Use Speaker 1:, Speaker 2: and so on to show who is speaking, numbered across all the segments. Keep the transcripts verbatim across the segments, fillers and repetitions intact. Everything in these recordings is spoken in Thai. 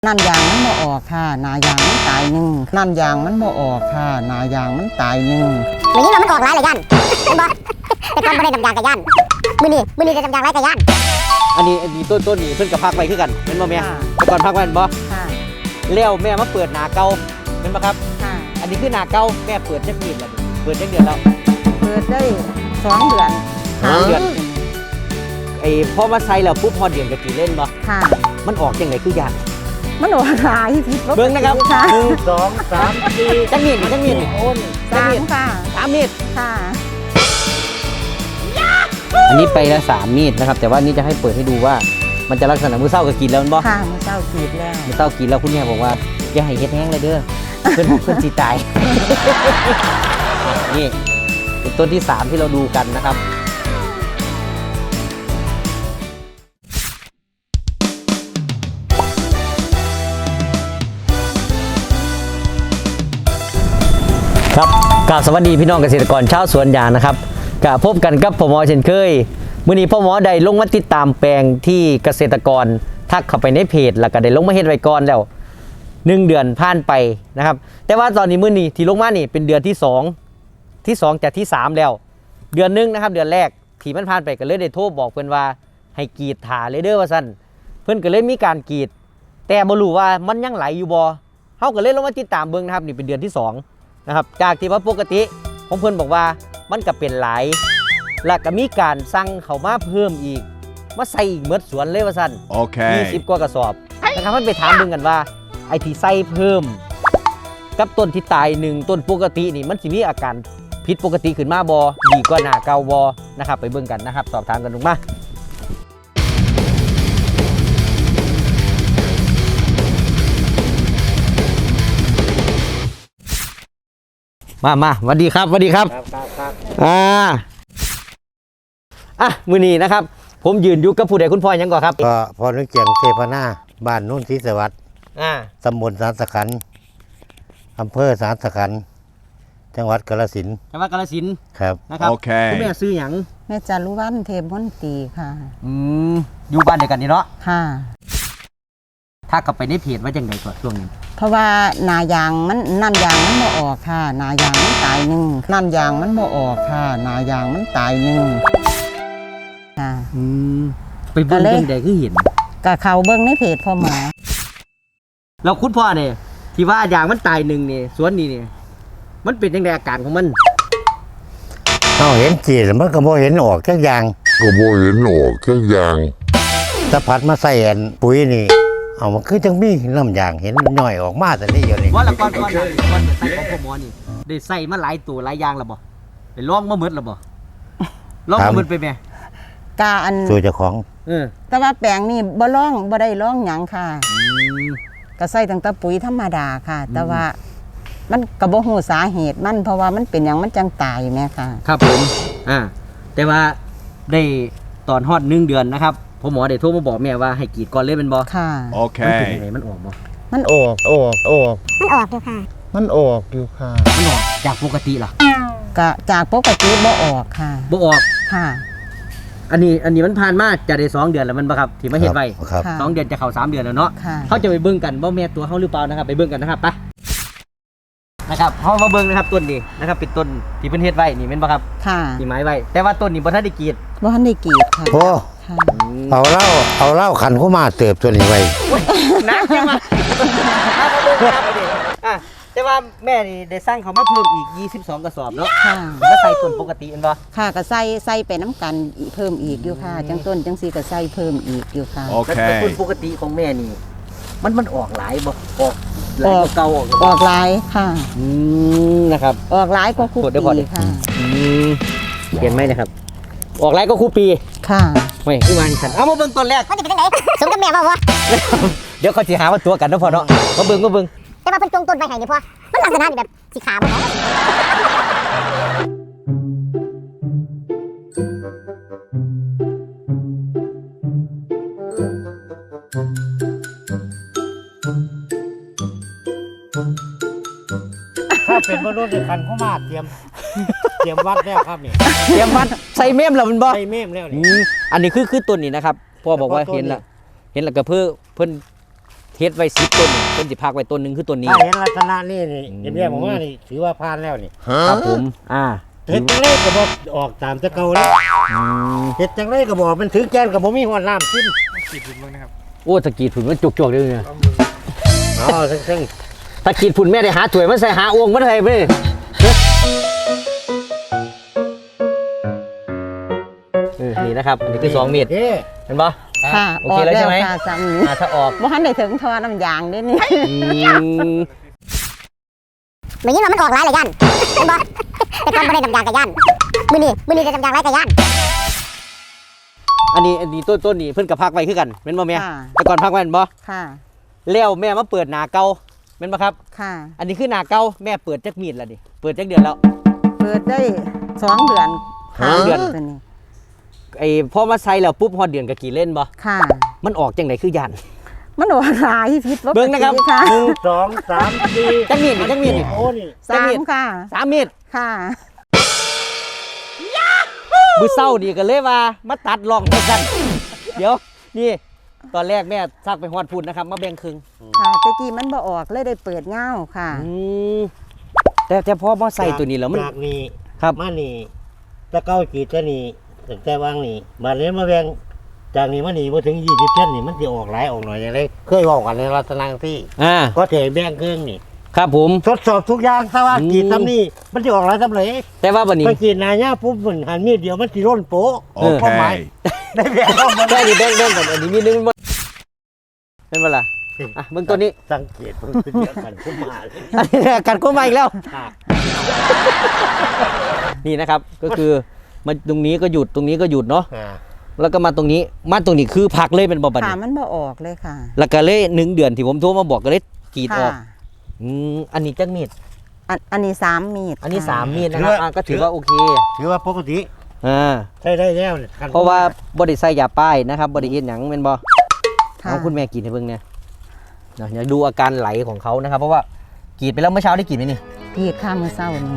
Speaker 1: นั่นยางมันบ่ออกค่ะนายางมันตายหนึ่งนั่นยางมันบ่ออกค่ะนายางมันตายหนึ่ง
Speaker 2: มือนี้มันออกหลายเลยย่านเป็นบ่แต่ก่อนบ่ได้ดำยางกับย่านมือนี้มือนี้ได้ดำยางหลายกับย่าน
Speaker 3: อันนี้อันนี้ต้นต้นนี้เพิ่นกับพักไว้คือกันเป็นบ่แม่แต่ก่อนพักไว้เป็นบ่
Speaker 1: ค่ะ
Speaker 3: แล้วแม่มาเปิดหนาเก่าเป็นบ่ครับ
Speaker 1: ค่ะ
Speaker 3: อันนี้คือหนาเก่าแม่เปิดจักปีแล้วเปิดจักเดือนแล้ว
Speaker 1: เปิดได้สองเดือน
Speaker 3: สองเดือนไอ้พอมาใส่แล้วปุ๊บพอเดือนก็กี่เล่นบ่
Speaker 1: ค่ะ
Speaker 3: มันออกจังไดคือยาก
Speaker 1: มันออกหลายผิดปกติ
Speaker 3: เบิ่งนะครับหนึ่ง
Speaker 4: สองสามสี่
Speaker 3: จักมีดจักมีดโอน
Speaker 1: สามค่ะ
Speaker 3: สามมีด
Speaker 1: ค่ะ
Speaker 3: อันนี้ไปละสามมีดนะครับแต่ว่านี่จะให้เปิดให้ดูว่ามันจะลักษณะมือเศร้าก็กินแล้วมันบ่
Speaker 1: ค่ะมือเศร้ากรีดแล้ว
Speaker 3: มือเศร้ากินแล้วคุณแม่บอกว่าอย่าให้เฮ็ดแห้งเลยเด้อเพื่อนเพื่อนสิตายนี่เป็นต้นที่สามที่เราดูกันนะครับครับกราบสวัสดีพี่น้องเกษตรกรชาวสวนยางนะครับกะพบกันกับพ่อหมอเช่นเคยมื้อนี้พ่อหมอได้ลงมาติดตามแปลงที่เกษตรกรทักเข้าไปในเพจแล้วก็ได้ลงมาเฮ็ดไว้ก่อนแล้วหนึ่งเดือนผ่านไปนะครับแต่ว่าตอนนี้มื้อนี้ที่ลงมานี่เป็นเดือนที่สองที่สองจากที่สามแล้วเดือนนึงนะครับเดือนแรกที่มันผ่านไปก็เลยได้โทรบอกเพิ่นว่าให้กรีดถาเลยเด้อว่าซั่นเพิ่นก็เลยมีการกรีดแต่บ่รู้ว่ามันยังไหลอยู่บ่เฮาก็เลยลงมาติดตามเบิ่งนะครับนี่เป็นเดือนที่สองนะครับจากที่ว่าปกติของเพื่อนบอกว่ามันก็เป็นหลายและก็มีการสั่งเขามาเพิ่มอีกมาใส่อีกเมื่อสวนเลยว่าสั้น
Speaker 4: โอเค
Speaker 3: ยี่สิบกว่ากระสอบนะครับมันไปถามดึงกันว่าไอ้ที่ใส่เพิ่มกับต้นที่ตายหนึ่งต้นปกตินี่มันสิมีอาการผิดปกติขึ้นมาบอดีกว่าหน้าเก่าบอนะครับไปเบิ่งกันนะครับสอบถามกันลงมามามาสวัสดีครับสวัสดีครับ
Speaker 4: ครับครับครับ
Speaker 3: อ่าอ่ะมือนี้นะครับผมยืนอยู่กับผู้ใดคุณพ่อยังก่อนครับ
Speaker 5: ก็พอนึกเจียงเทพนาบ้านนุ่นศรีสวัสดิ์
Speaker 3: อ่า
Speaker 5: ตำบลสารสขันอำเภอสารสขันจังหวัดกาฬสินธุ์
Speaker 3: จังหวัดกาฬสินธุ์
Speaker 5: ครับ
Speaker 3: นะครับโอเคคุณแม่ซื้อหยัง
Speaker 1: แม่จารุวรรณเทพมนตรีค่ะ
Speaker 3: อืมอยู่บ้านเดียวกันนี่เนาะ
Speaker 1: ค่ะ
Speaker 3: ถ้ากลับไปในเพจว่าจังไดก่อนช่วงนี้
Speaker 1: เพราะว่านายางมันนั่นยางมันบ่ออกค่ะนายางมันตายหนึ่งนั่นยางมันบ่ออกค่ะนายางมันตายหนึ่งค่ะ
Speaker 3: อืมไปเบิ่งจังไดคือเห็น
Speaker 1: กับเขาเบิ่งในเพจพ่อหมอ
Speaker 3: แล้วคุณพ่อเนี่ยที่ว่ายางมันตายหนึ่งนี่สวนนี้นี่มันเป็นจังไดอาการของมัน
Speaker 5: เอาเห็นจีมันก็บ่เห็นออกจักอย่าง
Speaker 4: ก็บ่เห็นออกจักอย่าง
Speaker 5: ถ้าพัดมาใส่อันปุ๋ยนี่เอามันคือจังมีน้ำยางเห็นย่อยออกมาแต่นี่อยู่นี่
Speaker 3: ว่าละก่อนก่อนก่อนจะใส่ของพ่อหมอนี่ได้ใส่มาหลายตัวหลายอย่างแล้วบ่ได้ลองมาหมดแล้วบ่ลองมาหมดไปแม่
Speaker 1: กาอัน
Speaker 5: สู่เจ้าของ
Speaker 3: เออ
Speaker 1: แต่ว่าแปลงนี่บ่ร้องบ่ได้ร้องหยังค่ะก็ใส่ตั้งแต่ปุ๋ยธรรมดาค่ะแต่ว่ามันก็บ่ฮู้สาเหตุมันเพราะว่ามันเป็นหยังมันจังตายแม่ค่ะ
Speaker 3: ครับผมอ่าแต่ว่าได้ตอนฮอดหนึ่งเดือนนะครับพ่อหมอได้โทรมาบอกแม่ว่าให้กรีดก่อนเลยเป็นบ่
Speaker 1: ค่ะ
Speaker 4: โอเค
Speaker 3: มันเป็นยังไงมันออกบ่
Speaker 1: มันออกออกออก
Speaker 2: มันออกอยู่ค่ะ
Speaker 1: มันออกอยู่ค่ะ
Speaker 3: มันออกจากปกติเหรอ
Speaker 1: ก็จากปกติบ่ออกค่ะ
Speaker 3: บ่ออก
Speaker 1: ค่ะ
Speaker 3: อันนี้อันนี้มันผ่านมาจะได้สองเดือนแล้วมันบ่ครับที่มาเฮ็ดไว้
Speaker 5: ครับ
Speaker 3: สองเดือนจะเข้าสามเดือนแล้วเนาะเขาจะไปเบิ่งกันว่าแม่ตัวเขาหรือเปล่านะครับไปเบิ่งกันนะครับไปนะครับเฮามาเบิ่งนะครับต้นนี้นะครับเป็นต้นที่เพิ่นเฮ็ดไว้นี่แม่นบ่ครับ
Speaker 1: ค่ะ
Speaker 3: ที่ไม้ไว้แต่ว่าต้นนี้บ่ทันได้กรีด
Speaker 1: บ่ทันได้กรีดค่ะ
Speaker 5: โอ้เอาเหล้าเอาเหล้าขันเข้ามาเติบตัวนี้ไว้
Speaker 3: นักจังมาเอามาเบิ่งครับอ่ะแต่ว่าแม่นี่ได้สร้างเขามาเพิ่มอีกยี่สิบสองกระสอบเนาะ
Speaker 1: ค่ะ
Speaker 3: แล้วใส่ต้นปกติแม่นบ่
Speaker 1: ค่ะก็ใส่ใส่ไปน้ำกันเพิ่มอีกอยู่ค่ะจังต้นจังซี่ก็ใส่เพิ่มอีกอยู่ค่ะ
Speaker 4: โอเค
Speaker 3: แต่ต้นปกติของแม่นี่มันมันออกหลายบ่ออกหลายกว่าเก่าออก
Speaker 1: ออกหลายค่ะ
Speaker 3: อืมนะครับ
Speaker 1: ออกหลายกว่าคู่ปีค่ะ
Speaker 3: อืมเห็นไหมนะครับออกหลายกว่าคู่ปี
Speaker 1: ค่ะ
Speaker 3: ไม่คือมันฉันเอามาเบิ่งต้นแรก
Speaker 2: มันจะเป็นจังไดสมกับแม่บ่วะ
Speaker 3: เดี๋ยวเขาสิหาว่าตัวกันเนาะพ่อเนาะมาเบิ่งมาเบิ่ง
Speaker 2: แต่ว่าเพิ่นจงต้นไว้ให้นี่พ่อมันลักษณะนี่แบบสิขาบ่เนาะ
Speaker 5: ถ้าเป็นมนุษย์ขันเข้ามาเตรียมเตรียมวัดแล้วครับนี่
Speaker 3: เตรียมวัดใส่เมมแล้วมันบ่
Speaker 5: ใส่เมมแล้วนี่
Speaker 3: อันนี้คือคือต้นนี้นะครับพ่อบอกว่าเห็นละเห็นแล้วก็เพื่อเพิ่นเทเฮ็ดไว้สิบต้นเพิ่นสิพักไว้ต้นหนึงคือต้นนี้
Speaker 5: ถ้าเห็นลักษณะนี่นี่เรียบๆผมว่านี่ถือว่าผ่านแล้วนี่
Speaker 3: ครับผมอ่า
Speaker 5: เฮ็ดจังไดก็บ่ออกตามแต่เก่าแล้ว
Speaker 3: อืม
Speaker 5: เฮ็ดจังไดก็บ่มันถึงแกนก็บ่มีหัวน้ำขึ้น
Speaker 3: โอ้ตะกี้ฝุ่นมันจุกๆเลยเนี่ย
Speaker 5: เอาซึ่ง
Speaker 3: ตะกี้ฝุ่นแม่ได้หาถ้วยมันใส่หาอ่วงมันให้ไปเลยเออนี่นะครับอันนี้คือสองเมตร
Speaker 5: เอ๊ะ
Speaker 3: เห็นปะ
Speaker 1: ค่ะ
Speaker 3: โอเคแล้วใช่ไหม
Speaker 1: ค่ะซ้ำนี้
Speaker 3: อ่าถ้าออก
Speaker 1: บ่ทันได้ถึงทอน้ำยางเด้นี่
Speaker 3: อืม
Speaker 2: เหมือนยิ่งว่ามันออกหลายเลยยันเห็นบ่แต่ก่อนบ่ได้น้ำยางกับยันมื้อนี้มื้อนี้ได้น้ำยางหลายกับยัน
Speaker 3: อันนี้อันนี้ต้นต้นนี้เพิ่นกับพักไว้คือกันเป็นบ่แม่
Speaker 1: ค่ะ
Speaker 3: แต่ก่อนพักไว้เป็นบ่
Speaker 1: ค่ะ
Speaker 3: แล้วแม่มาเปิดหนาเก่าเป็นบ่ครับ
Speaker 1: ค่ะ
Speaker 3: อันนี้คือหนาเก่าแม่เปิดจักมีดแล้วดิเปิดจักเดือนแล้ว
Speaker 1: เปิดได้สองเดือน
Speaker 3: ห้าเดือน
Speaker 1: ตัวนี้
Speaker 3: ไอ้พอมาใส่แล้วปุ๊บฮอดเดือนก็กี่เล่นบ่
Speaker 1: ค่ะ
Speaker 3: มันออกจังไดคือยัน
Speaker 1: มันออกหลายพิษปกติ
Speaker 3: เบิ่งนะครับ
Speaker 1: ค่ะ
Speaker 5: หนึ่งสองสามสี่
Speaker 3: จักมีดนี่จักมีดนี่
Speaker 5: โอ้นี่
Speaker 1: สามค่ะ
Speaker 3: สามมีด
Speaker 1: ค่ะ
Speaker 3: มือเศร้านี่ก็เลยว่ามาตัดลองไปกัน เดี๋ยวนี่ตอนแรกแม่ซักไปฮอดพูดนะครับมาแบ่งครึ่ง
Speaker 1: ค่ะตะกี้มันบ่ออกเลยได้เปิดเงาค่ะ
Speaker 3: อืมแต่แต่พอมาใส่ตัวนี้แล้วมัน
Speaker 5: จากนี่
Speaker 3: ครับ
Speaker 5: มานี่ตะเก้ากีดแต่นี่ตั้งแต่วางนี่มาเลยมาแบ่งจากนี้มานี่บ่ถึงยี่สิบเส้นนี่มันสิออกหลายออกหน่อยอย่างไรเคยบอกกันในลักษณะที่
Speaker 3: อ่า
Speaker 5: ก็เทแบ่งเครื่องนี่
Speaker 3: ครับผม
Speaker 5: ทดสอบทุกอย่างถ้าว่า
Speaker 3: อืม
Speaker 5: กีดทำนี่มันจะออกหลายทำเลย
Speaker 3: แต่ว่าวันนี้
Speaker 5: ไปกีดนายาปุ๊บมันหันมีดเดียวมันสิร่นโป๊ะ
Speaker 3: เออ
Speaker 5: ความหมายได้แบ่งเข้ามา
Speaker 3: แบ่งนี่แบ่งแบ่งกันอันนี้มีนึงมันเป็นเวลาอ่ะเบิ่งตัวนี้
Speaker 5: สังเกตมันเป็นเดียวกันขึ้นมาเลย
Speaker 3: อันนี้กัดก้นมาอีกแล้ว
Speaker 5: ค่ะ
Speaker 3: นี่นะครับก็คือมันตรงนี้ก็หยุดตรงนี้ก็หยุดเนาะ
Speaker 5: อ่า
Speaker 3: แล้วก็มาตรงนี้มาตรงนี้คือพักเลยเป็นบ่บัด
Speaker 1: ค่ะ
Speaker 3: นี้
Speaker 1: มันบ่ออกเลยค่ะ
Speaker 3: แล้วก็เลยหนึ่งเดือนที่ผมโทรมาบอกก็เลยกรีดอ
Speaker 1: ค่ะ
Speaker 3: อกอืมอันนี้จักมีด
Speaker 1: อันอันนี้สามมีด
Speaker 3: อันนี้
Speaker 1: ค่ะ
Speaker 3: สามมีดนะครับอ่ะก็ถือว่าโอเค
Speaker 5: ถือว่าปกติ
Speaker 3: อ่า
Speaker 5: ใช้ได้แล้วนี่คัน
Speaker 3: เพราะว่าบริใส่ยาป้ายนะครับบริเอ็นหยังเป็นบ่
Speaker 1: ค่ะ
Speaker 3: เอาคุณแม่กรีดให้เบิ่งเนี่ยเดี๋ยวดูอาการไหลของเขานะครับ เพราะว่ากรีดไปแล้วเมื่อเช้าได้กรีดไหมนี่
Speaker 1: กรีดข้ามมือเศร้านี่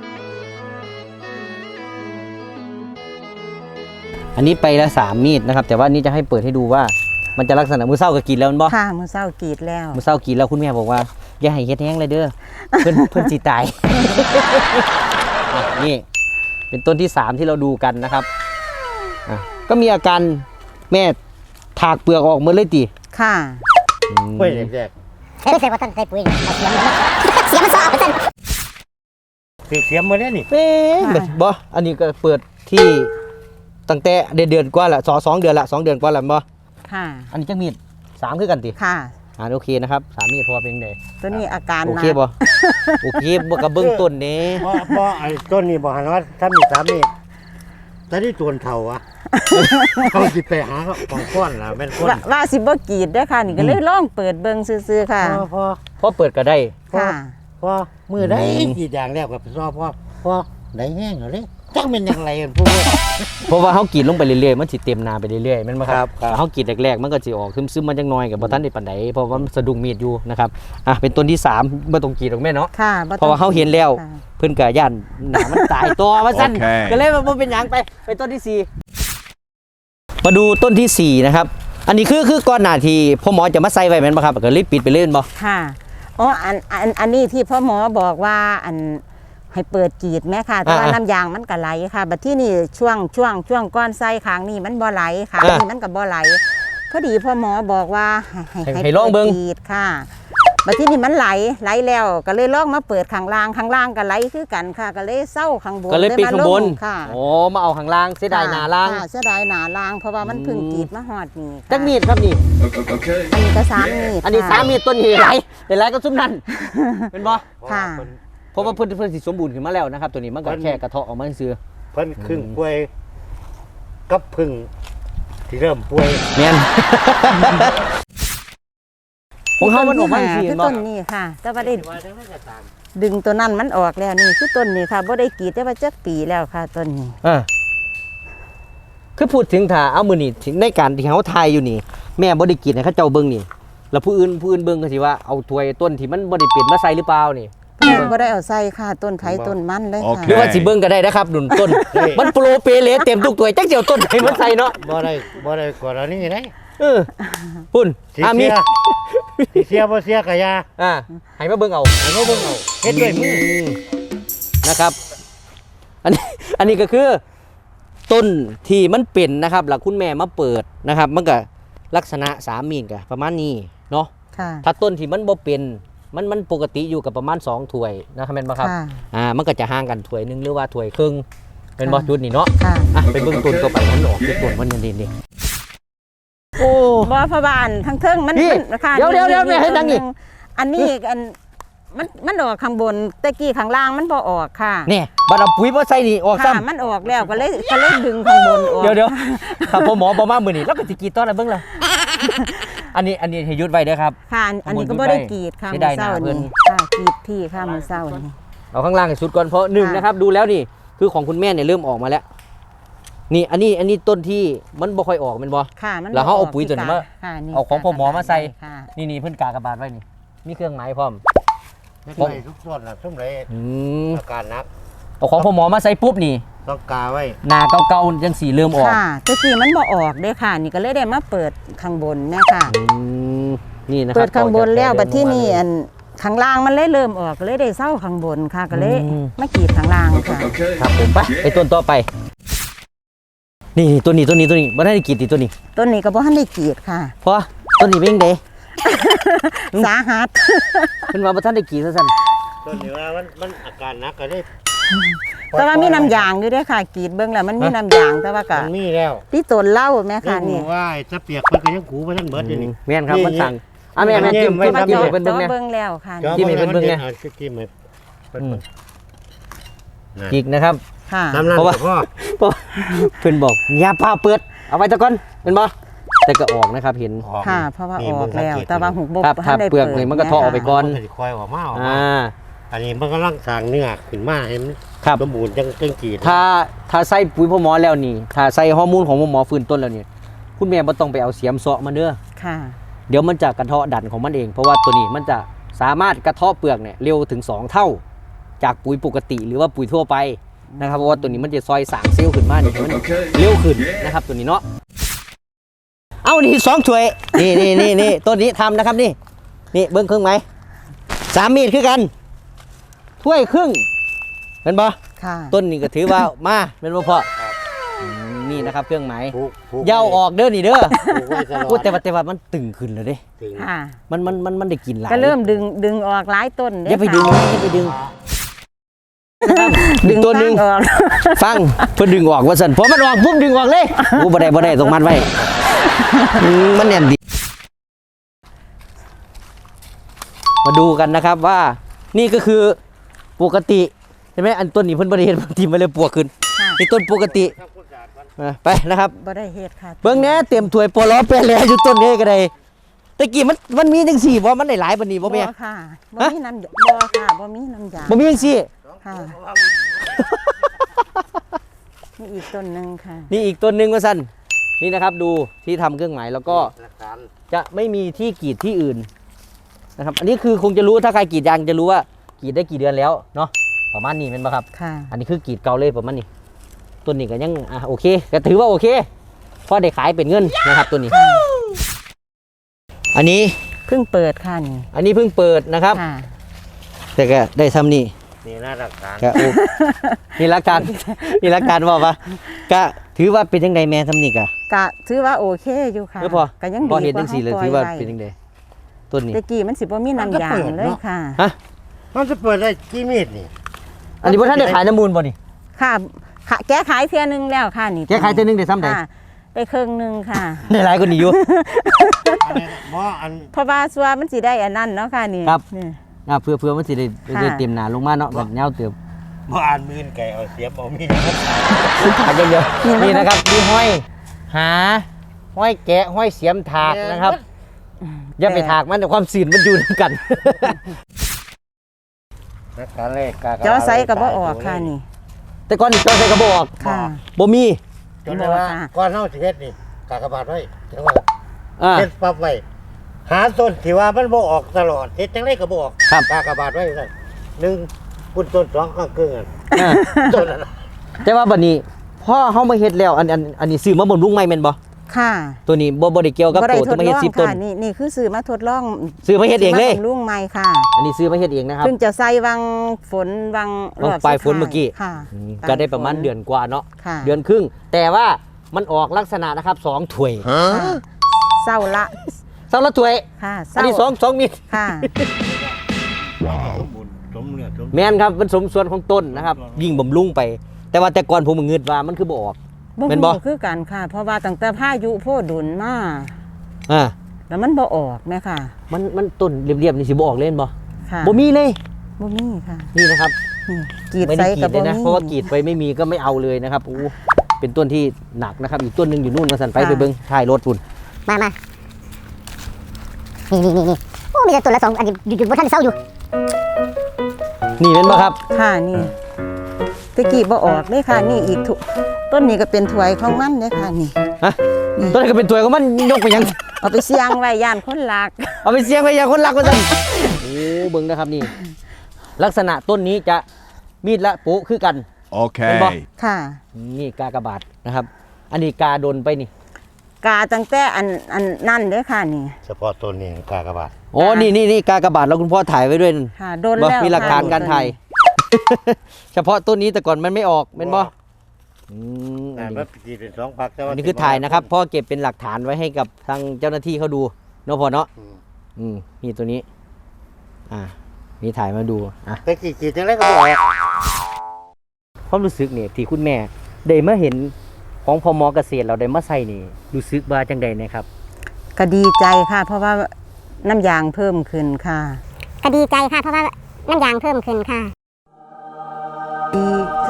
Speaker 3: อันนี้ไปแล้วสามมีดนะครับแต่ว่านี่จะให้เปิดให้ดูว่ามันจะลักษณะมือเศร้ากับกรีดแล้วมันบ่
Speaker 1: ค่ะมือเศร้ากรีดแล้ว
Speaker 3: มือเศร้ากรีดแล้วคุณแม่บอกว่าอย่าให้เฮ็ดแห้งเลยเด้อเพิ่น เพิ่นสิตาย อ่ะนี่เป็นต้นที่สามที่เราดูกันนะครับอ่ะก็มีอาการแม่ถากเปลือกออกหมดเลยติ
Speaker 1: ค่ะ
Speaker 3: อืม
Speaker 5: กล้วยแรก
Speaker 2: เฮ้ยเสียว่าต้นใส่ปุ๋ยเอาเสียมมันเสียมมันสอเอาไปต้น
Speaker 5: ๆสีเสียมมาแล้วนี่
Speaker 3: เอ๊ะ
Speaker 1: ค่ะ
Speaker 3: บ่อันนี้ก็เปิดที่ตั้งแต่เดือนเดือนกว่าละสองสองเดือนละสองเดือนกว่าละบ่
Speaker 1: ค่ะ
Speaker 3: อันนี้จังมีดสามคือกันติ
Speaker 1: ค่ะ
Speaker 3: อ่าโอเคนะครับสามมีดพอเพียงใด
Speaker 1: ตัวนี้อาการ
Speaker 3: โอ
Speaker 1: หนั
Speaker 3: เค
Speaker 1: ก
Speaker 3: บ่โอเคบ่กับเบื้องต้นนี้
Speaker 5: เพราะเพราะไอ้ต้นนี้บอกหันว่าถ้ามีสามเมตรแต่ที่ตัวเท่า อะ เขาสิไปหาของก้อนล่ะแม่นก้อน
Speaker 1: ว่าว่าสิบ่กรีดเด้อค่ะ นี่ก็เลยลองเปิดเบิ่งซื่อๆค่ะ
Speaker 5: พอพอ
Speaker 3: พอเปิดก็ได้
Speaker 1: ค่ะ
Speaker 5: พอมือได้
Speaker 3: อืม
Speaker 5: กี่อย่างแล้วกับซอพอพอได้แห้งเหรอเลยจังเป็นอย่างไรกันพวกนี้
Speaker 3: เพราะว่าเฮากรีดลงไปเรื่อยๆมันสิเต็มนาไปเรื่อยๆแม่นบ่ค
Speaker 5: ครั
Speaker 3: รับบ
Speaker 5: ครับ
Speaker 3: เฮากรีดแรกๆมันก็สิออกซึมๆมันจังน้อยก็บ่ทันได้ปานใดเพราะว่ามันสะดุ้งมีดอยู่นะครับอ่ะเป็นต้นที่สามบ่ต้องกรีดหรอกแม่เนาะ
Speaker 1: ค่ะบ่ต้อง
Speaker 3: เพราะว่าเขาเห็นแล้ว
Speaker 1: ค่ะ
Speaker 3: เพิ่นก็ย่านหนามันตายตัวว่าซั่น
Speaker 4: โอเค
Speaker 3: ก็เลยว่าบ่เป็นหยังไปไปต้นที่สี่มาดูต้นที่สี่นะครับ อันนี้คือคือก่อนหน้าที่พ่อหมอจะมาใส่ไว้แม่นบ่ครับก็เลยปิดไปเล่นบ่
Speaker 1: ค่ะอ๋ออันอันอันนี้ที่พ่อหมอบอกว่าอันให้เปิดกรีดแม่ค่ะ แต่ว่าน้ำยางมันก็ไหลค่ะ บัดที่นี่ช่วงช่วงช่วงก้อนไส้ค้างนี่มันบ่ไหลค่ะนี่มันก็บ่ไหลพอดีพ่อหมอบอกว่าให้
Speaker 3: ให้ให้ลองเบิ่ง
Speaker 1: ปิดกรีดค่ะ บัดที่นี่มันไหลไหลแล้วก็เลยลองมาเปิดข้างล่างข้างล่างก็ไหลคือกันค่ะ ก็เลยเศร้าข้างบน
Speaker 3: ก็เลยปิดข้างบน
Speaker 1: มลค่ะ
Speaker 3: โอ้มาเอาข้างล่างเสียดายหน้าล่าง
Speaker 1: ค่ะเสียดายหนาล่าง เพราะว่ามันเพึ่งกรีดมาหอดนี่ค่ะ
Speaker 3: จักมีดครับนี่
Speaker 1: อันนี้ก็สามมีด
Speaker 3: อันนี้
Speaker 1: ค่ะ
Speaker 3: สามมีดต้นนี้หลายหลายก็ซุ่มนั่นเป็นบ่
Speaker 1: ค่ะ
Speaker 3: เพราะว่าเพิ่นเพิ่นสิสมบูรณ์ขึ้นมาแล้วนะครับ ตัวนี้มันก็แค่กระเทาะออกมาซื่อ
Speaker 5: เพิ่นครึ่งป่วยกับพึ่งที่เริ่มป่วย
Speaker 3: แม่น ของเขามันออกมา
Speaker 1: ต้
Speaker 3: ซื่
Speaker 1: ที่
Speaker 3: อ
Speaker 1: คือ
Speaker 3: บ่
Speaker 1: ต้นนี้ค่ะ แต่ว่าได้ดึงตัวนั้นมันออกแล้วนี่คือต้นนี้ค่ะบ่ได้กรีดแต่ว่าจักปีแล้วค่ะต้นนี้
Speaker 3: อ่าคือพูดถึงถ้าเอามือนี่ถึงในการที่เขาทายอยู่นี่ แม่บ่ได้กินให้เขาเจ้าเบิ่งนี่ แล้วผู้อื่นผู้อื่นเบิ่งก็สิว่าเอาถ้วยต้นที่มันบ่ได้เป็นมาใส่หรือเปล่านี่
Speaker 1: บ่ได้เอาใส่ค่ะต้นไผ่ต้นมันเลย
Speaker 4: โอ
Speaker 1: ค่ะ
Speaker 4: เค
Speaker 3: หรือว่าสิเบิ่งก็ได้นะครับหนุนต้น มันโปรเปเลเต็มทุกถ้วยจักเจียวต้นไหนมาใส่เนาะ
Speaker 5: บ่ได้บ่ได้กว่านี้ได้
Speaker 3: เออพุ่น
Speaker 5: สี
Speaker 3: อ่ะมี
Speaker 5: เสียสิเสียบ่เสียกะยา
Speaker 3: อ่าให้มาเบิ่งเอา
Speaker 5: ให้มาเบิ่งเอาเฮ็ดด้วยมือ
Speaker 3: นะครับ อันนี้อันนี้ก็คือต้นที่มันเป็นนะครับหลักคุณแม่มาเปิดนะครับ มันก็ลักษณะสามมีนก็ประมาณนี้เนาะ
Speaker 1: ค่ะ
Speaker 3: ถ้าต้นที่มันบ่เป็นมันมันปกติอยู่กับประมาณสองถ้วยนะครับแม่นบ่ครับ
Speaker 1: ค่ะ
Speaker 3: อ่ามันก็จะห่างกันถ้วยหนึงหรือว่าถ้วยครึ่งเป็นบ่
Speaker 1: ค่ะ
Speaker 3: จุดนี่เนาะ
Speaker 1: ค่ะ
Speaker 3: อ่ะไปเบิ่งต้นต่อไปมันออกที่ต้นมันนี่นี่โอ้
Speaker 1: บ่พะบานทั้งเทิงมัน
Speaker 3: นี่
Speaker 1: มันค่ะ
Speaker 3: เดี๋ยวเดี๋ยวเดี๋ยวแม่ให้ดังนี่
Speaker 1: อันนี้อันมันมันออกข้างบนแต่กี้ข้างล่างมันบ่ออกค่ะ
Speaker 3: เนี่ยบัดเอาปุ๋ยมาใส่นี่ออก
Speaker 1: ค่ะ
Speaker 3: ซ้ำ
Speaker 1: มันออกแล้วก็เลยก็เลยดึงข้างบนออก
Speaker 3: เดี๋ยวเดี๋ยวครับพ่อหมอบอกมามือนี่แล้วก็สิกรีดต้นอะไรเบิ่งล่ะอันนี้อันนี้ให้หยุดไว้เด้อครับ
Speaker 1: ค่ะอันนี้ก็บ่ได้กรีดค่ะ
Speaker 3: เสี
Speaker 1: มื้
Speaker 3: ยดา
Speaker 1: อย
Speaker 3: หน้า
Speaker 1: เช้า
Speaker 3: เพิ่น
Speaker 1: นี่ค่ะกรีดที่ค่ะมื้อเช้านี่
Speaker 3: เอาข้างล่างให้สุดก่อนเพราะหนึ่ง
Speaker 1: ค่ะ
Speaker 3: นะครับดูแล้วนี่คือของคุณแม่เนี่ยเริ่มออกมาแล้ว นี่อันนี้อันนี้ต้นที่มันบ่ค่อยออกแมันบ่
Speaker 1: ค่ะมัน
Speaker 3: แล้วเขาเอา
Speaker 1: ก
Speaker 3: ปุ๋ยตัวนี้มา
Speaker 1: ค่ะนี่
Speaker 3: เอาของพ่อหมอมาใส่
Speaker 1: ค่ะ
Speaker 3: นี่นี่เพิ่นกากระบาดไว้นี่มีเครื่องหมายพร้อม
Speaker 5: เฮ็ดด้วยทุกส่วนน่ะซุ่มไร
Speaker 3: อืม
Speaker 5: อาการหนัก
Speaker 3: เอาของพ่อหมอมาใส่ปุ๊บนี่
Speaker 5: ต้องกาไว้
Speaker 3: หน้าเก่าๆจังสีเริ่มออก
Speaker 1: ค่ะแต่กี้มันบ่ออกเด้ค่ะ นี่ก็เลยได้มาเปิดข้างบนแม่ค่ะ
Speaker 3: อืมนี่นะค
Speaker 1: เปิ
Speaker 3: รับ
Speaker 1: ดข้างบนแล้ว
Speaker 5: ต่อจาก
Speaker 1: บัดที่นี่
Speaker 5: เดิม
Speaker 1: อันข้างล่างมันเลยเริ่มออกก็เลยได้เศร้าข้างบนค่ะ ก็เลย
Speaker 3: อืม
Speaker 1: มากรีดข้างล่างค่ะ
Speaker 3: ครับผมไปไปต้นต่อไป นี่นี่ตัวนี้ตัวนี้ตัวนี้บ่ได้กรีดติตัวนี้
Speaker 1: ต้นนี้ก็บ่ทันได้กรีดค่ะ
Speaker 3: เพราะต้นนี้เป็นจังได
Speaker 1: สาหัส
Speaker 3: เพิ่นว่าบ่ทันได้กรีดซะซั่น
Speaker 5: ต้นนี้ว่ามันมันอาการหนักก็ได้
Speaker 1: แต่ว่ามีน้ำยางอยู่เด้วยค่ะกรีดเบิ่งแล้วมันมีน้ำยางแต่ว่าก็
Speaker 5: มันมีแล้ว
Speaker 1: ที่ต้นเหล้าแม่ค่ะ
Speaker 5: ยัง
Speaker 1: นี่
Speaker 5: หูว่าไอ้ตะเปียกมันก็ยังหูมาทั้งเบิดอยู่นี่
Speaker 3: แม่นครับ
Speaker 5: นี่
Speaker 3: มันสั่งอ่ะแม่แม่
Speaker 5: นี่
Speaker 3: จิ้ม
Speaker 5: ไม่
Speaker 3: จิ้ม
Speaker 5: ทำ
Speaker 3: จิ้มให้เพิ่นเบิ่ง
Speaker 1: จ้อ
Speaker 3: แน่
Speaker 1: เบิ่งแล้วค่ะ
Speaker 5: จอ
Speaker 3: จิ้มให้เพิ่นเบิ่งไง
Speaker 5: อาจิ้มให้เพิ่น
Speaker 3: อืม
Speaker 5: เบิ่ง
Speaker 3: อีกนะครับ
Speaker 1: ค่ะ
Speaker 5: น้ำนั่น
Speaker 3: เพราะว่า
Speaker 5: ก็พอ
Speaker 3: เพราะเพิ่นบอกอย่าพาเปิดเอาไว้ตะก่อนเป็นบ่แต่ก็ออกนะครับเห็น
Speaker 1: ค่ะ เพราะว่า
Speaker 5: นี่
Speaker 1: อ
Speaker 5: มึ
Speaker 1: อก
Speaker 5: งสัง
Speaker 1: แล้ว
Speaker 5: เกต
Speaker 1: แต่ว่าหุบบ่
Speaker 3: ครับ
Speaker 1: ทั
Speaker 3: ถ้าน
Speaker 1: ได้
Speaker 3: เปลือกนี่มันก็ทอออกไปก่อน
Speaker 5: มันก็สิคอยออกมาออก
Speaker 3: อ่
Speaker 5: มา
Speaker 3: า
Speaker 5: อันนี้มันกำลังสร้างเนื้อขึ้นมาให้มัน
Speaker 3: ครับ
Speaker 5: สมบูรณ์จังจังกรีด
Speaker 3: ถ้าถ้าใส่ปุ๋ยพ่อหมอแล้วนี่ ถ้าใส่ฮอร์โมนของพ่อหมอฟื้นต้นแล้วนี่คุณแม่บ่ต้องไปเอาเสียมเสาะมาเด้อ
Speaker 1: ค่ะ
Speaker 3: เดี๋ยวมันจะกระเทาะดันของมันเอง เพราะว่าตัวนี้มันจะสามารถกระเทาะเปลือกเนี่ยเร็วถึงสองเท่า จากปุ๋ยปกติหรือว่าปุ๋ยทั่วไปนะครับเพราะว่าตัวนี้มันจะซอยสร้างเซลล์ขึ้นมานี่ให้มันเร็วขึ้นนะครับตัวนี้เนาะเอานี่สองถ้วยนี่นี่นี่นี่ตัวนี้ทำนะครับนี่นี่เบิ้งครึ่งไหมสามมีดคือกันถ้วยครึ่งเป็นบ่
Speaker 1: ค่ะ
Speaker 3: ต้นนี่ก็ถือว่ามาเป็นบ่พออืมนี่นะครับเครื่องหมาย
Speaker 5: ผูกผูก
Speaker 3: อยาวออกเด้อนี่เด้อ
Speaker 5: ผูกไว้ตลอ
Speaker 3: พูด
Speaker 5: ด
Speaker 3: แต่ว่าแต่ว่ามันตึงขึ้นแล้วเด้
Speaker 5: ถึง
Speaker 1: ค่ะ
Speaker 3: มันมันมันมันได้กินหลาย
Speaker 1: ก็เริ่มดึงดึงออกหลายต้นเ
Speaker 3: อย่าไปดึง
Speaker 1: ค่ะ
Speaker 3: อย่าไปดึง
Speaker 1: ดึ
Speaker 3: ดึ
Speaker 1: ง
Speaker 3: งตัวหนึง
Speaker 1: ตั้ออก
Speaker 3: ฟังเพิ่นดึงออกว่าซั่นพอมันออกปุ๊บดึงออกเลยโอ้บ่ได้บ่ได้ต้องมัดไว้อืมมันแน่นดีมาดูกันนะครับว่านี่ก็คือปกติใช่ไหมอันต้นนี้เพิ่นบ่ได้เฮ็ดทีมมาเลยปวกขึ้น
Speaker 1: ค่ะ
Speaker 3: นี่ต้นปกติอ่ะไปนะครับ
Speaker 1: บ่ได้เฮ็ดค่ะ
Speaker 3: เบิ่งแหน่เต็มถ้วยปอล้อแปรแลอยู่ต้นนี้ก็ได้ตะกี้มันมันมีจังซี่บ่มันได้หลายปานนี้บ่แม่
Speaker 1: ค่ะบ่
Speaker 3: ฮะ
Speaker 1: มีน้ำบ่ค่ะบ่มีน้ำยาง
Speaker 3: บ่มีจังซี่
Speaker 1: ค่ะนี่อีกต้นหนึงค่ะ
Speaker 3: นี่อีกต้นหนึงว่าซั่นนี่นะครับดูที่ทำเครื่องหมายแล้วก็
Speaker 5: หลักฐาน
Speaker 3: จะไม่มีที่กรีดที่อื่นนะครับอันนี้คือคงจะรู้ถ้าใครกรีดยางจะรู้ว่ากรีดได้กี่เดือนแล้วเนาะประมาณนี้เป็นปะครับ
Speaker 1: ค่ะ
Speaker 3: อันนี้คือกรีดเก่าเลยประมาณนี้ต้นนี้ก็ยังอ่ะโอเคก็ถือว่าโอเคเพราะได้ขายเป็นเงินนะครับตัวนี้ อันนี้
Speaker 1: เพิ่งเปิดค่ะนี่
Speaker 3: อันนี้เพิ่งเปิดนะครับ
Speaker 1: ค่ะ
Speaker 3: แต่ก็ได้ทำนี่
Speaker 5: นี่หน้าหลักฐาน
Speaker 3: ก็โอ้นี่รักการนี่รักการบอกว่าก็ถือว่าเป็นยังไงแม่ทำนี่กะ
Speaker 1: กะถือว่าโอเคอยู่ค่ะ
Speaker 3: เออพอ
Speaker 1: ก็ยังดี
Speaker 3: พอเห็นจังสี่เลย
Speaker 1: ก
Speaker 3: ถือว่า
Speaker 1: ปล่ย
Speaker 3: เป็น
Speaker 1: ไ
Speaker 3: ยังไงต้นนี้
Speaker 1: แต่กี้มันสิบ่มีน้ำยางเลยค่ะ
Speaker 3: ฮะ
Speaker 5: มันจะเปิดได้กี่เมตรนี่
Speaker 3: อันนี้พ่ท่านได้ขายน้ำมูลบ่นี่
Speaker 1: ค่ะค่ะแก้ขายเทื่อนึงแล้วค่ะนี่
Speaker 3: แกขายเท่านึงได้ซ้ำใด
Speaker 1: ค่ะได้ครึ่งหนึงค่ะ
Speaker 3: ได้หลายกว่านี้อยู่
Speaker 5: อันนี้บ่อัน
Speaker 1: เพราะว่าสัวมันสิได้อันนั้นเนาะค่ะนี่
Speaker 3: ครับ
Speaker 1: นี่
Speaker 3: อ่ะเพื่อเพื่อมันสิได้
Speaker 1: ค่ะ
Speaker 3: ได้เต็มหนาลงมาเนาะแบบเงาเติม
Speaker 5: บ่อ่านมือนไก่เอาเสียมเอามีด
Speaker 3: ขาดเยอะๆนี่นะครับมีห้อยหาห้อยแกะห้อยเสียมถากนะครับ อย่าไปถากมันแต่ความสื่นมันอยู่ด้วยกัน
Speaker 5: นักการเลขกากระ
Speaker 1: เจ้าไซก็บ่ออกค่ะนี่
Speaker 3: แต่ก่อนนี่จอใส่กระบอก
Speaker 1: ค่ะ
Speaker 3: บ่มี
Speaker 5: จนได้ว่า
Speaker 1: ค่ะ
Speaker 5: ก้อนเฮาสิเฮ็ดนี่กากบาทไว้จังว่า
Speaker 3: อ่า
Speaker 5: เฮ็ดปั๊บไว้หาต้นที่ว่ามันบ่ออกตลอดเฮ็ดจังไดก็บ่ออก
Speaker 3: ครับ
Speaker 5: กากบาทไว้ซั่นหนึ่งคุณต้นสองข้างครึ่งอัน
Speaker 3: อ่า
Speaker 5: ต้นนั้นน่ะ
Speaker 3: แต่ว่าบัดนี้พ่อเฮามาเฮ็ดแล้วอันอันอันนี้ซื้อมาบำรุงใหม่แม่นบ่
Speaker 1: ค่ะ
Speaker 3: ตัวนี้บ่บ่ได้เกี่ยวกับ
Speaker 1: บ่ได้
Speaker 3: ตัว
Speaker 1: ท
Speaker 3: ที่
Speaker 1: ด
Speaker 3: มา
Speaker 1: ล
Speaker 3: เฮ็ด
Speaker 1: อง
Speaker 3: สิบต้น
Speaker 1: ค่ะนี่นี่คือซื้อมาทดลอง
Speaker 3: ซื้อมาเฮ็ดเองเลย
Speaker 1: ซื้มาบำรุงใหม่ค่ะ
Speaker 3: อันนี้ซื้อมาเฮ็ดเองนะครับ
Speaker 1: เพิ่งจะใส่วังฝนวัง
Speaker 3: วัง
Speaker 1: รอบ
Speaker 3: ปลาย
Speaker 1: สุด
Speaker 3: ฝนเมื่อกี้
Speaker 1: ค่ะ
Speaker 3: อืม
Speaker 1: ปลย
Speaker 3: ก็ได้ประมาณ
Speaker 1: ฝ
Speaker 3: เดือนกว่าเนาะ
Speaker 1: ค่ะ
Speaker 3: เดือนครึ่ง แต่ว่ามันออกลักษณะนะครับสองถ้วย
Speaker 1: ค่ะเศร้าละ
Speaker 3: สองละถ้วย
Speaker 1: ค่ะเศ
Speaker 3: อัน
Speaker 1: ร้า
Speaker 3: นี้สองสองมิตร
Speaker 1: ค่ะ
Speaker 5: สมบูรณ์สมเนื้อสม
Speaker 3: แม่นครับเป็นสมส่วนของต้นนะครับ ยิ่งบำรุงไป แต่ว่าแต่ก่อนผมเงืดว่ามันคือบ่ออก
Speaker 1: บ่
Speaker 3: แม่นบ่
Speaker 1: ฮู้คือกันค่ะ เพราะว่าตั้งแต่พายุโพดุลมา
Speaker 3: อ่า
Speaker 1: แล้วมันบ่ออกแม่ค่ะ
Speaker 3: มันมันต้นเรียบๆนี่สิบ่ออกเล่นบ่
Speaker 1: ค่ะ
Speaker 3: บ่มีเลย
Speaker 1: บ่มีค่ะ
Speaker 3: นี่นะครับ
Speaker 1: นี่กรีด
Speaker 3: ไม่
Speaker 1: ใส่
Speaker 3: ได้กรี
Speaker 1: กับ
Speaker 3: ดเล
Speaker 1: บ่
Speaker 3: ยนะ
Speaker 1: มี
Speaker 3: เพราะว่ากรีดไปไม่มีก็ไม่เอาเลยนะครับโอ้เป็นต้นที่หนักนะครับ อีกต้นหนึงอยู่นู่นมาสั่นไป
Speaker 1: ค่ะ
Speaker 3: ไปเบิ่งท้ายรถพุ่น
Speaker 2: มามานี่นี่นี่นี่โอ้มีแต่ตัวละสองอันนี้หยุดหยุดบนท่านเศร้าอยู่
Speaker 3: นี่เป็นบ่ครับ
Speaker 1: ค่ะนี่ตะกี้บ่ออกเลยค่ะ นี่อีกถุต้นนี้ก็เป็นถวยของมันเลยค่ะนี่
Speaker 3: ฮะต้นนี้ก็เป็นตัวของมันยกไปยัง
Speaker 1: เอาไปเสี่ยงไว้ย่านคนลัก
Speaker 3: เอาไปเสียงไปอย่างคนรักมาสั่นโอ้เบิ่งนะครับนี่ ลักษณะต้นนี้จะมีดละโป๊ะคือกัน เป็นบ่
Speaker 4: Okay.
Speaker 1: ค่ะ
Speaker 3: นี่กากบาทนะครับ อันนี้กาโดนไปนี่
Speaker 1: กาตั้งแต่อันอันนั่นเด้อค่ะนี่
Speaker 5: เฉพาะต้นนี้กากบาท
Speaker 3: โอ้นี่นี่นี่กากบาทแล้วคุณพ่อถ่ายไว้ด้วยนั่น
Speaker 1: ค่ะโดน
Speaker 3: บ่
Speaker 1: แล้ว
Speaker 3: มีหลักฐาน
Speaker 1: ค่ะ
Speaker 3: การถ่าย เฉพาะต้นนี้แต่ก่อนมันไม่ออกเป็นบ่อืมอั
Speaker 5: อ่าน
Speaker 3: นี้
Speaker 5: มันจีเป็นสองพักแต่ว่า
Speaker 3: อันนี้คือถ่ายนะครับพ่อเก็บเป็นหลักฐานไว้ให้กับทางเจ้าหน้าที่เขาดูเนาะพ่อเนาะ
Speaker 5: อืม
Speaker 3: อืมนี่ตัวนี้ อ่านี่ถ่ายมาดูอ่ะ
Speaker 5: แต่กี่จีจังไรก็บ่ออก
Speaker 3: ความรู้สึกเนี่ยที่คุณแม่ได้มาเห็นของพมเกษตรเราได้มาใส่นี่รู้สึกว่าจังใดนะครับ
Speaker 1: ก็ดีใจค่ะ เพราะว่าน้ำยางเพิ่มขึ้นค่ะ
Speaker 2: ก็ดีใจค่ะ เพราะว่าน้ำยางเพิ่มขึ้นค่ะ
Speaker 1: ดีใจ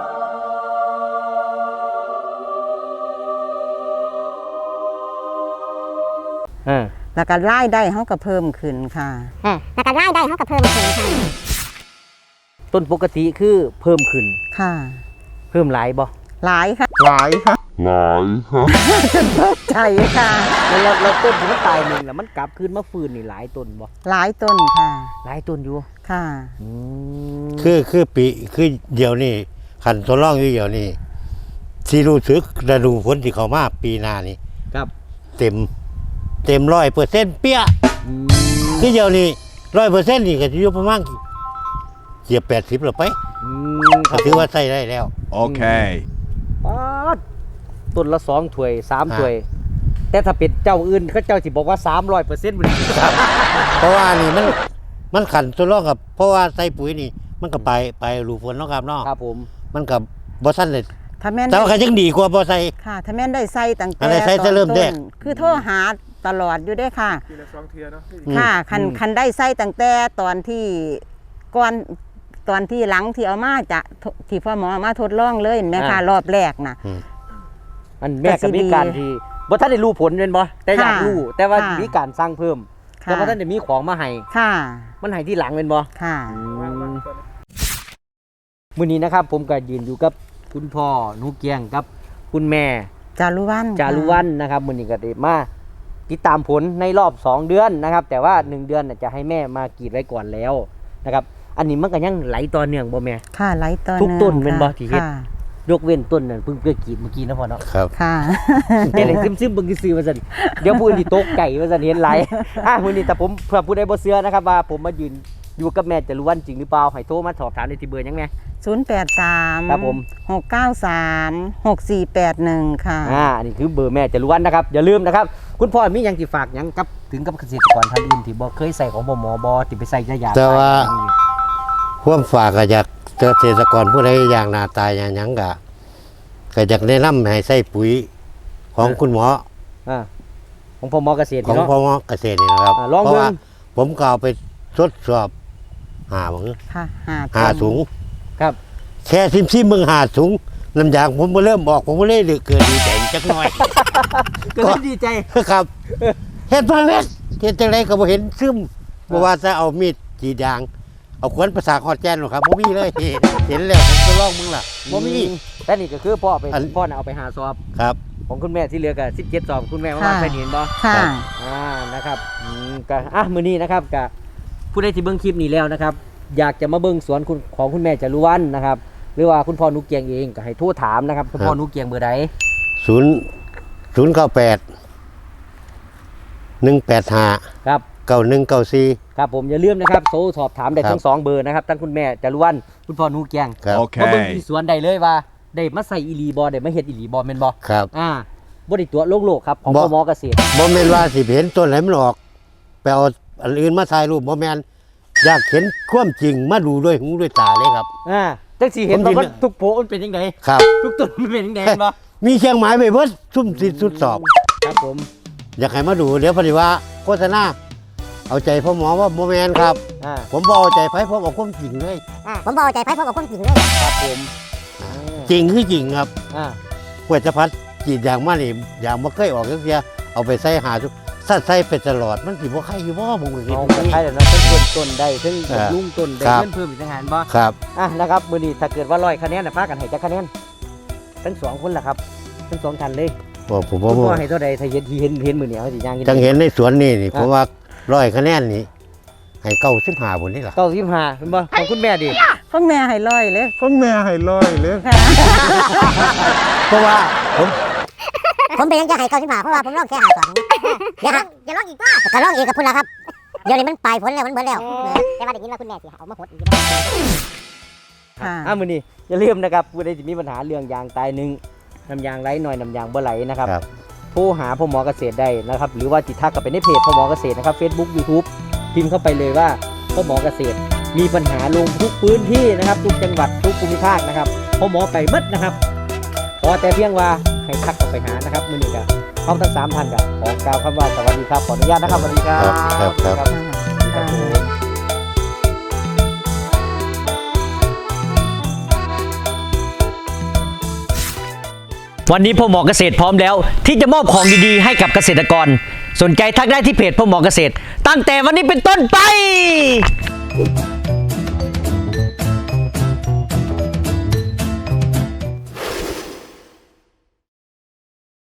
Speaker 3: อ่า
Speaker 1: แล้วก็รายได้เขาก็เพิ่มขึ้นค่ะ
Speaker 2: เออแล้วก็รายได้เขาก็เพิ่มขึ้นค่ะ
Speaker 3: ต้นปกติคือเพิ่มขึ้น
Speaker 1: ค่ะ
Speaker 3: เพิ่มหลายบ่
Speaker 1: หลายค่ะ
Speaker 4: หลายครับหลายครับ
Speaker 1: ใจค่ะ
Speaker 3: แล้วแล้วแล้วต้นที่มันตายหนึ่งแล้วมันกลับคืนมาฟื้นนี่หลายต้นบ่
Speaker 1: หลายต้นค่ะ
Speaker 3: หลายต้นอยู่
Speaker 1: ค่ะ
Speaker 3: อืม
Speaker 5: คือคือปีคือเดี๋ยวนี้ขันทดลองอยู่เดี๋ยวนี้ที่รู้สึกฤดูฝนที่เขามาปีหน้านี่
Speaker 3: ครับ
Speaker 5: เต็ม เต็มร้อยเปอร์เซ็นต์เปี้ย
Speaker 3: อืม
Speaker 5: คือเดี๋ยวนี้ร้อยเปอร์เซ็นต์นี่ก็จะอยู่ประมาณเกือบแปดสิบแล้วไป
Speaker 3: อืมค
Speaker 5: ก็
Speaker 3: รับ
Speaker 5: ถือว่าใส่ได้แล้ว
Speaker 4: Okay.
Speaker 3: ป๊าดต้นละสองถ้วยสาม
Speaker 5: อ่า
Speaker 3: ถ้วย แต่ถ้าเป็นเจ้าอื่นเขาเจ้าสิบอกว่าสามร้อยเปอร์เซ็นต์
Speaker 5: ครับ เพราะว่านี่มันมันขันทดลองกับ เพราะว่าใส่ปุ๋ยนี่ มันก็ไปไปรูฝนเนาะครับเนาะ
Speaker 3: ครับผม
Speaker 5: มันกับบ่ทันเลย
Speaker 1: ถ้าแม่น
Speaker 5: แต่ว่าใครยังดีกว่าบ่ใส่
Speaker 1: ค่ะ ถ้าแม่นได้ใส่ตั้งแต่
Speaker 5: อันไหนใส่
Speaker 1: ตอน
Speaker 5: จะเริ่ม
Speaker 1: ต้น
Speaker 5: แรก
Speaker 1: คือโทรหาตลอดอยู่เด้อค่ะ
Speaker 6: ทีละสองเทียเนาะ
Speaker 1: ค่ะคันคันได้ใส่ตั้งแต่ตอนที่ก่อนตอนที่หลังที่เอามาจะที่พ่อหมอเอามาทดลองเลยเห็นไหมคะรอบแรกนะ
Speaker 3: อันแม่ก็มีการที่บ่ท่านได้รู้ผลเป็นบ่แต่อยาก
Speaker 1: ค่ะ
Speaker 3: รู้แต่ว่า
Speaker 1: ค่ะ
Speaker 3: มีการสร้างเพิ่ม
Speaker 1: ค่ะ
Speaker 3: แต่ว่าท่านได้มีของมาให้
Speaker 1: ค่ะ
Speaker 3: มันให้ที่หลังเป็นบ่
Speaker 1: ค่ะ
Speaker 3: มื้อนี้นะครับ ผมก็ยืนอยู่กับคุณพ่อหนูเกียงกับคุณแม่
Speaker 1: จารุวัน
Speaker 3: จารุวันนะครับมื้อนี้ก็ได้มาติดตามผลในรอบสองเดือนนะครับ แต่ว่าหนึ่งเดือนน่ะจะให้แม่มากรีดไว้ก่อนแล้วนะครับ อันนี้มันก็ยังไหลต่อเนื่องบ่แม่
Speaker 1: ค่ะไหลตอน
Speaker 3: ทุกต้นเป็นบ่ที่เฮ็ด
Speaker 1: ค่ะ
Speaker 3: ยกเว้นต้นนั่นเพิ่งเพิ่งกรีดเมื่อกี้นะพ่อเนาะ
Speaker 5: ครับ
Speaker 1: ค่ะ
Speaker 3: เดี๋ยวเลยซึมๆเบิ่งซื่อๆว่าซั่นเดี๋ยวผู้อื่นสิตกใจว่าซั่นเห็นหลาย อ่ะมื้อนี้แต่ผมเพื่อผู้ใดบ่เชื่อนะครับว่าผมมายืนอยู่กับแม่จารุวันจริงหรือเปล่าให้โทรมาสอบถามได้ที่เบอร์หยังแม่
Speaker 1: ศูนย์แปดสาม
Speaker 3: ครับผม
Speaker 1: หกเก้าสามหกสี่แปดหนึ่งค่ะ
Speaker 3: อ่าอันนี้คือเบอร์แม่จารุวันนะครับอย่าลืมนะครับ คุณพ่อมีหยังสิฝากหยังกับถึงกับเกษตรกรท่านอื่นที่บ่เคยใส่ของบ่หมอบ่ที่ไปใส่ยา
Speaker 5: แต่ว่า ความฝากก็อยากเกษตรกรผู้ใดอย่างหน้าตายอย่างหยังก็ก็อยากแนะนำให้ใส่ปุ๋ยของคุณหมอ
Speaker 3: อ่าของพ่อหมอเกษตร
Speaker 5: ของ
Speaker 3: เนาะ
Speaker 5: พ่อหมอเกษตรนี่นะครับ
Speaker 3: อ่าลอง
Speaker 5: เพราะว่า
Speaker 3: เบิ่ง
Speaker 5: ผมก็เอาไปทดสอบหาบัง
Speaker 1: ค่ะหา
Speaker 5: หาถุง
Speaker 3: ครับ
Speaker 5: แค่ซิมซิมมึงหาถุงน้ำยางผมมาเริ่มออกผมก็เลยเกิดดีใจจักหน่อย
Speaker 3: ก็เลยดีใจ
Speaker 5: ครับเฮ็ดมาเม็ดเฮ็ดจังไดก็บ่เห็นซึมบ่ว่าจะเอามีดกรีดยาง เอาขวานประสาคอดแจนหรอกครับบ่มีเลย เห็นแล้วผมก็ลองมึงล่ะบ่มี
Speaker 3: แต่นี่ก็คือพ่อไป
Speaker 5: อัน
Speaker 3: พ่อน่ะเอาไปหาสอบ
Speaker 5: ครับ
Speaker 3: ของคุณแม่ที่เหลือก็สิบเจ็ดสอบคุณแม่มาว่าใส่นี่เห็นบ่
Speaker 1: ค่ะ
Speaker 3: อ่า นะครับอืมก็อ่ะ มื้อนี้นะครับก็ผู้ใดที่เบิ่งคลิปนี้แล้วนะครับ อยากจะมาเบิ่งสวนคุณของคุณแม่จารุวรรณนะครับ หรือว่าคุณพ่อนุกเกียงเองก็ให้โทรถามนะครับ คุณพ่อนุกเกียงเบอร์ใด
Speaker 5: ศูนย์ศูนย์เก้าแปดหนึ่งแปดห้า
Speaker 3: ครับ
Speaker 5: เก้าหนึ่งเก้าสี่
Speaker 3: ครับผมอย่าลืมนะครับโทรสอบถามได้
Speaker 5: ครับ
Speaker 3: ทั้งสองเบอร์นะครับทั้งคุณแม่จารุวรรณคุณพ่อนูแกง
Speaker 5: ครับ
Speaker 3: มาเบิ่ง
Speaker 4: Okay.
Speaker 3: ที่สวนได้เลยว่าได้มาใส่อีหลีบอได้มาเฮ็ดอีหลีบอแม่นบ่
Speaker 5: ครับ
Speaker 3: อ่าบ่ได้ตัวโลกโลกครับของ
Speaker 5: บ่
Speaker 3: พ่อหมอเกษตร
Speaker 5: บ่แม่นว่าสิเห็นต้นไหนมันออกไปเอาอันอื่นมาถ่ายรูปบ่แม่นอยากเห็นความจริงมาดูด้วยหูด้วยตาเลยครับ
Speaker 3: อ่าจังสิเห็น
Speaker 5: ผม
Speaker 3: ว่า
Speaker 5: ดิน
Speaker 3: มันทุกโผมันเป็นจังได
Speaker 5: ครับ
Speaker 3: ทุกต้นมันเป็นจังไดเห็นบ่
Speaker 5: มีเครื่องหมายไปเบิดซุ่มสิสุดสอบ
Speaker 3: ครับผม
Speaker 5: อยากให้มาดูเดี๋ยวพอดีว่าโฆษณาเอาใจพ่อหมอว่าบ่แม่นครับ
Speaker 3: อ่า
Speaker 5: ผมบ่เอาใจไผผมเอาความจริงเลย
Speaker 2: อ่าผมบอกใจไพ่พวกกับคนจริงเลย
Speaker 3: ครับผม
Speaker 5: จริงคือจริงครับ
Speaker 3: อ่า
Speaker 5: กวยจะพัดจีดยางมานี่ยางบ่เคยออกจักเที่ยเอาไปใส่หาทุกถ้าใส่ไปตลอดมันสิบ่ใครอยู่บ่ผมก็คิด
Speaker 3: เอา
Speaker 5: อย่าง
Speaker 3: ไป
Speaker 5: นี้
Speaker 3: ใช้แล้วเนาะเพิ่นเพิ่นต้นได้เพิ่น
Speaker 5: อ่า
Speaker 3: ลุงต้นได้
Speaker 5: ครับ
Speaker 3: เงินเพิ่มอีกต่างหากบ่
Speaker 5: ครับ
Speaker 3: อ่ะนะครับมื้อนี้ถ้าเกิดว่าร้อยคะแนนน่ะพากันให้จักคะแนนทั้งสองคนล่ะครับทั้งสองท่านเลย
Speaker 5: บ่ผม
Speaker 3: คุ
Speaker 5: บ่
Speaker 3: ณ
Speaker 5: บ่
Speaker 3: พ่อให้เท่าใดถ้าเห็นที่เห็นเห็นมื้อนี้เฮาสิย่างกิน
Speaker 5: จังเห็นในสวนนี่นี่
Speaker 3: อ่ะ
Speaker 5: ผมว่าร้อยคะแนนนี่ให้เก้าสิบห้าพุ่นนี่ล่ะ
Speaker 3: เก้าสิบห้าเห็นบ่ของคุณแม่ดิ
Speaker 1: พ่อแม่ให้ร้อยเลย
Speaker 4: Con mẹ hay lôi lên.
Speaker 5: เพราะว่าผม
Speaker 2: ผมเป็นยังจะให้เก้าสิบห้าเพราะว่าผมลองแค่หาสองเดี๋ยวอย่าลองอีกว่าก็ลองอีกกับพุ่นละครับเดี๋ยวนี้มันปลายผลแล้วมันเบิดแล้วแต่ว่าได้ยินว่าคุณแม่สิเอามาหดอีก
Speaker 1: ค่ะ
Speaker 3: อ่ะมื้อนี้อย่าลืมนะครับผู้ใดที่มีปัญหาเรื่องยางตายหนึ่งน้ำยางไหลหน่อยน้ำยางบ่ไหลนะครับ
Speaker 5: ครับ
Speaker 3: โทรหาพ่อหมอเกษตรได้นะครับหรือว่าติดทักกับไปในเพจพ่อหมอเกษตรนะครับ Facebook YouTube พิมพ์เข้าไปเลยว่าพ่อหมอเกษตรมีปัญหาลงทุกพื้นที่นะครับทุกจังหวัดทุกภูมิภาคนะครับพ่อหมอไปหมดนะครับขอแต่เพียงว่าให้ทักเข้าไปหานะครับมื้อนี้ก็พร้อมทั้งสามท่านก็ขอกล่าวคำว่าสวัสดีครับขออนุญาตนะครับสวัสดีครับ
Speaker 5: ครับครับครับ
Speaker 3: ครับผม วันนี้พ่อหมอเกษตรพร้อมแล้ว ที่จะมอบของดีๆให้กับเกษตรกร สนใจทักได้ที่เพจพ่อหมอเกษตร ตั้งแต่วันนี้เป็นต้นไป